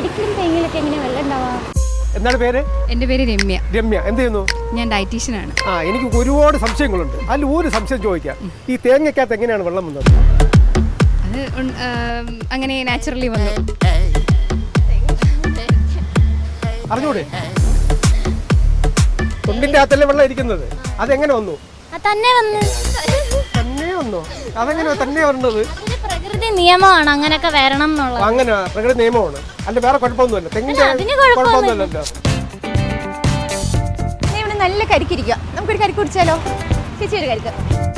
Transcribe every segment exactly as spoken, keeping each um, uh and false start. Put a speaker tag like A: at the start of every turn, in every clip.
A: കരിക്കിലും തേങ്ങയിലൊക്കെ എങ്ങനെയാ വെള്ളം ഉണ്ടാവാ?
B: എന്താണ് പേര്?
C: എൻ്റെ പേര് രമ്യ.
B: രമ്യ എന്ത് ചെയ്യുന്നു?
C: ഞാൻ ഡയറ്റീഷ്യനാണ്.
B: ആ എനിക്ക് ഒരുപാട് സംശയങ്ങളുണ്ട്. അതിൽ ഒരു സംശയം ചോദിക്കാം. ഈ തേങ്ങയ്ക്കകത്ത് എങ്ങനെയാണ് വെള്ളം വന്നത്?
C: അത് അങ്ങനെ നാച്ചുറലി വന്നു.
B: അറിഞ്ഞൂടെ? തൊണ്ടിന്റെ അകത്തല്ലേ വെള്ളം ഇരിക്കുന്നത്, അതെങ്ങനെ വന്നു?
A: തന്നെ വന്നു
B: തന്നെ വന്നു അതെങ്ങനെ തന്നെ വന്നത്?
A: പ്രകൃതി നിയമമാണ് അങ്ങനെയൊക്കെ വരണം എന്നുള്ളത്.
B: അങ്ങനെ പ്രകൃതി നിയമമാണ്, അല്ല വേറെ കുഴപ്പമൊന്നുമില്ല. തെങ്ങിന്റെ കുഴപ്പമൊന്നുമില്ലല്ലോ.
D: ഇവിടെ നല്ല കരിക്കിരിക്കുക, നമുക്കൊരു കരിക്ക് കുടിച്ചാലോ? ചേച്ചി ഒരു കരിക്ക്.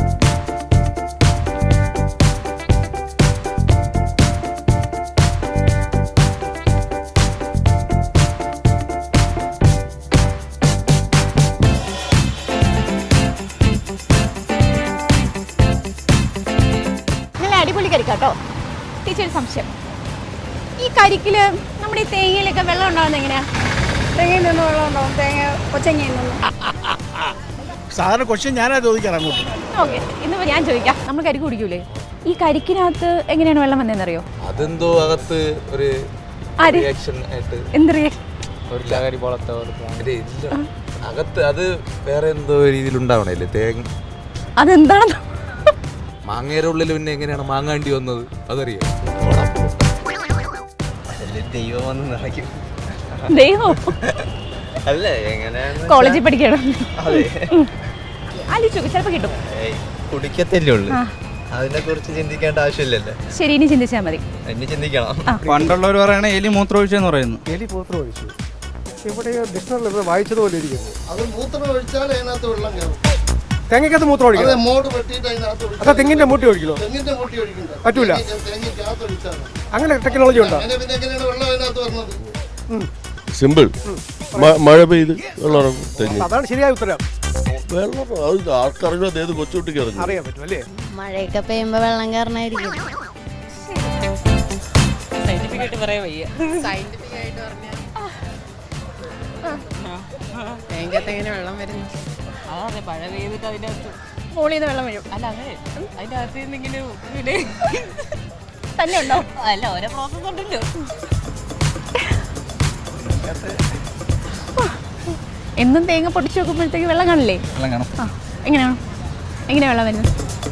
D: അടിപൊളി കരിക്കാട്ടോ. ടീച്ചർ സംശയം, ഈ കരിക്കില് നമ്മുടെ ഈ തേങ്ങയിലൊക്കെ വെള്ളം ഉണ്ടാവുന്നത് എങ്ങനെയാ?
E: തെങ്ങിൽ നിന്ന് വെള്ളം ഉണ്ടാവും, തേങ്ങ കൊച്ചങ്ങയിൽ നിന്ന്.
F: സാധാരണ ക്വസ്റ്റ്യൻ ഞാനാ ചോദിക്കാം അങ്ങോട്ട്.
D: ഓക്കെ, ഇന്നിപ്പോ ഞാൻ ചോദിക്കാം. നമ്മൾ കരിക്ക് കുടിക്കൂലേ, ഈ കരിക്കിനകത്ത് എങ്ങനെയാണ് വെള്ളം വന്നതെന്നറിയോ?
G: അതെന്തോ അകത്ത് ഒരു റിയാക്ഷൻ ആയിട്ട്
D: എന്ത് റിയാക്ഷൻ?
G: ഒരു ലഹരി പോലത്തെ അകത്ത് അത് വേറെ എന്തോ രീതിയിൽ ഉണ്ടാവണല്ലേ തേങ്ങ.
D: അതെന്താണെന്ന്
G: മാങ്ങയുടെ ഉള്ളിൽ പിന്നെ എങ്ങനെയാണ് മാങ്ങാണ്ടി വന്നത് അതറിയാം?
D: ദൈവം
G: അല്ല എങ്ങനെ
D: കോളേജിൽ പഠിക്കണം. ആലോചിച്ചു ചിലപ്പോ കിട്ടും.
G: കുടിക്കത്തല്ലേ ഉള്ളു, അതിനെ കുറിച്ച് ചിന്തിക്കേണ്ട ആവശ്യമില്ലല്ലോ.
D: ശരി, ഇനി ചിന്തിച്ചാൽ മതി.
G: ഇനി ചിന്തിക്കണം.
F: പണ്ടുള്ളവർ പറയണ എലി മൂത്രം ഒഴിച്ചെന്ന് പറയുന്നു.
B: എലി മൂത്രം ഒഴിച്ചു ഇവിടെ ഡിക്ഷണറിൽ വായിച്ചതുപോലെ ഇരിക്കുന്നു.
H: അത് മൂത്രം ഒഴിച്ചാൽ അതിനകത്ത് വെള്ളം കയറും.
B: തെങ്ങിക്കകത്ത് മൂത്രം ഒഴിക്കണം.
H: മോട് വെട്ടിയിട്ട് അതിനകത്ത്
B: അതാ തെങ്ങിന്റെ മൂട്ടി ഒഴിക്കണോ?
H: തെങ്ങിന്റെ മൂട്ടി ഒഴിക്കണ്ട,
B: പറ്റൂല.
H: തേങ്ങയ്ക്കകത്ത് ഒഴിച്ചാൽ
B: അങ്ങനെ ടെക്നോളജി ഉണ്ടോ?
H: പിന്നെ എങ്ങനെയാണ് വെള്ളം അതിനകത്ത് വരുന്നത്?
I: സിമ്പിൾ, മഴ പെയ്ത് വെള്ളം തെങ്ങി.
B: അതാണ് ശരിയായ ഉത്തരം.
I: വെള്ളം അത് ആർക്കറിഞ്ഞോ, അതേത് കൊച്ചുകുട്ടിക്ക് അറിഞ്ഞു
B: അറിയാൻ പറ്റും അല്ലേ?
A: മഴയൊക്കെ പെയ്യുമ്പോ വെള്ളം കയറണായിരിക്കും.
J: സയന്റിഫിക്കായിട്ട് പറയാൻ വയ്യ. സയന്റിഫിക്കായിട്ട് പറഞ്ഞാൽ തേങ്ങത്ത് എങ്ങനെ വെള്ളം വരുന്നു? അതെ, മഴ പെയ്തിട്ട് അതിൻ്റെ അകത്ത്
D: മോളിൽ നിന്ന് വെള്ളം വീഴും.
J: അല്ല അതെ, അതിൻ്റെ അകത്ത് എന്തെങ്കിലും പിന്നെ
D: തന്നെ ഉണ്ടോ?
J: അല്ല, ഓരോ പ്രോസസ് ഉണ്ടല്ലോ.
D: എന്നും തേങ്ങ പൊട്ടിച്ച് നോക്കുമ്പോഴത്തേക്ക് വെള്ളം കാണില്ലേ?
F: വെള്ളം കാണും.
D: ആ, എങ്ങനെയാണ് എങ്ങനെയാ വെള്ളം വരുന്നത്?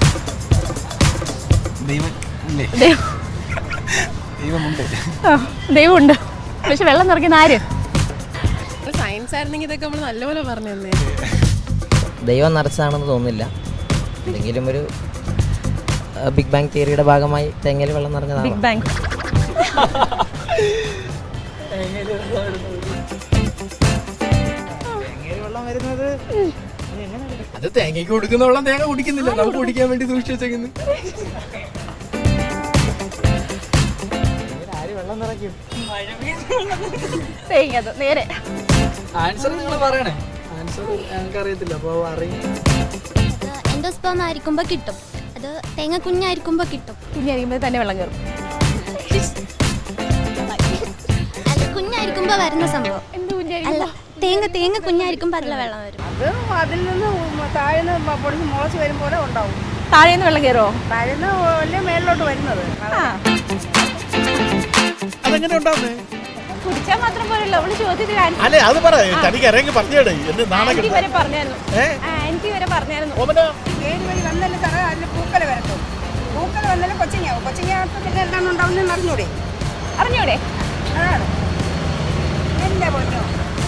F: ദൈവമുണ്ട്.
D: ആ, ദൈവമുണ്ട്. പക്ഷെ വെള്ളം നിറയ്ക്കുന്ന ആര്?
J: സയൻസ് ആയിരുന്നെങ്കിൽ ഇതൊക്കെ നമ്മൾ നല്ലപോലെ പറഞ്ഞു തന്നെ.
K: ദൈവം നിറച്ചതാണെന്ന് തോന്നുന്നില്ല. എന്തെങ്കിലും ഒരു ബിഗ് ബാങ് തിയറിയുടെ ഭാഗമായി തേങ്ങയിൽ വെള്ളം നിറഞ്ഞതാണ്.
D: Big bang.
F: അത് തേങ്ങയ്ക്ക് കൊടുക്കുന്ന വെള്ളം തേങ്ങ കുടിക്കുന്നില്ല, നമുക്ക് കുടിക്കാൻ വേണ്ടി സൂക്ഷിച്ചു വെച്ചേക്കുന്നു.
D: തേങ്ങ നേരെ
F: ആൻസർ നിങ്ങൾ പറയണേ. ആൻസർ ഞങ്ങൾക്ക് അറിയത്തില്ല, അപ്പോൾ അറിയാം.
A: എൻഡോസ്പേം ആയിരിക്കുമ്പോ കിട്ടും, അത് തേങ്ങ കുഞ്ഞായിരിക്കുമ്പോ കിട്ടും.
D: കുഞ്ഞായിരിക്കുമ്പോൾ തന്നെ വെള്ളം കയറും.
A: അല്ല, കുഞ്ഞായിരിക്കുമ്പോ വരുന്ന സംഭവം.
D: എന്ത്
A: അല്ല,
D: കുഞ്ഞായിരിക്കും?
A: തേങ്ങ തേങ്ങ കുഞ്ഞായിരിക്കുമ്പോ അതിലെ വെള്ളം വരും.
E: അത് അതിൽ നിന്ന് താഴ്ന്ന് പൊടിച്ച് മുളച്ച് വരുമ്പോൾ ഉണ്ടാവും.
D: താഴേന്ന് വെള്ളം കയറുമോ?
E: താഴ്ന്ന് വലിയ മേളിലോട്ട് വരുന്നത്.
D: ആ,
F: അതെങ്ങനെ ഉണ്ടാവുന്നേ?
D: കുടിച്ചാൽ മാത്രം പോരല്ലോ. അവള് ചോദ്യത്തിൽ
F: അല്ലേ അത് പറ, തനിക്ക് ഇറങ്ങി പറഞ്ഞേടേ. എന്റെ നാണകം
D: ആന്റി വരെ പറഞ്ഞായിരുന്നു. ആന്റി വരെ പറഞ്ഞായിരുന്നു.
E: ഏഴ് വഴി വന്നാലും തറ അതിൽ പൂക്കല വരത്തും. പൂക്കല വന്നാലും കൊച്ചിങ്ങാവും. കൊച്ചിങ്ങാകത്ത് പിന്നെ എന്താണ് ഉണ്ടാവുന്നതെന്ന് അറിഞ്ഞൂടെ?
D: അറിഞ്ഞൂടെ?
E: അതാണ് എന്റെ പൊന്നോ.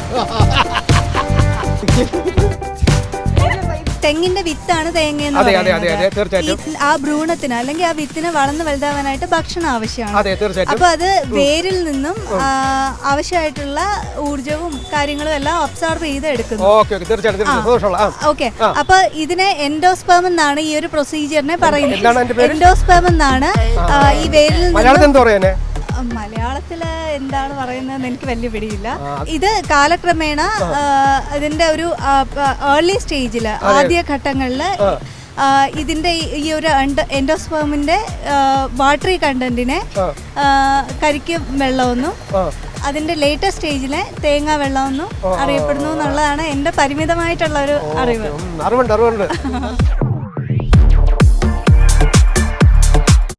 L: തെങ്ങിന്റെ വിത്താണ് തേങ്ങ എന്ന്
B: അതെ അതെ അതെ അതെ
L: പറയുന്നത്.
B: തീർച്ചയായിട്ടും.
L: ആ ഭ്രൂണത്തിന് അല്ലെങ്കിൽ ആ വിത്തിന് വളർന്ന് വലുതാവാനായിട്ട് ഭക്ഷണം ആവശ്യമാണ്.
B: അതെ തീർച്ചയായിട്ടും.
L: അപ്പൊ അത് വേരിൽ നിന്നും ആ, ആവശ്യമായിട്ടുള്ള ഊർജവും കാര്യങ്ങളും എല്ലാം ഒബ്സർവ് ചെയ്ത് എടുക്കുന്നു.
B: ഓക്കെ ഓക്കെ തീർച്ചയായിട്ടും സന്തോഷമുള്ള. ആ
L: ഓക്കെ, അപ്പൊ ഇതിനെ എൻഡോസ്പേം എന്നാണ് ഈ ഒരു പ്രൊസീജിയറിനെ
B: എന്താണ് അതിന്റെ
L: പറയുന്നത്.
B: പേര്?
L: എൻഡോസ്പേം എന്നാണ് ആ, ഈ വേരിൽ
B: മലയാളത്തിൽ
L: നിന്നും
B: എന്താ പറയാ?
L: മലയാളത്തില് എന്താണ് പറയുന്നതെന്ന് എനിക്ക് വലിയ പിടിയില്ല. ഇത് കാലക്രമേണ ഇതിന്റെ ഒരു ഏർലി സ്റ്റേജില് ആദ്യ ഘട്ടങ്ങളില് ഇതിന്റെ ഈ ഒരു എൻഡോസ്പേമിന്റെ വാട്ടറി കണ്ടന്റിനെ കരിക്കും വെള്ളമെന്നും അതിന്റെ ലേറ്റസ്റ്റ് സ്റ്റേജിലെ തേങ്ങാ വെള്ളമെന്നും അറിയപ്പെടുന്നു എന്നുള്ളതാണ് എന്റെ പരിമിതമായിട്ടുള്ള ഒരു അറിവ്.
B: അറിവുണ്ട് അറിവുണ്ട്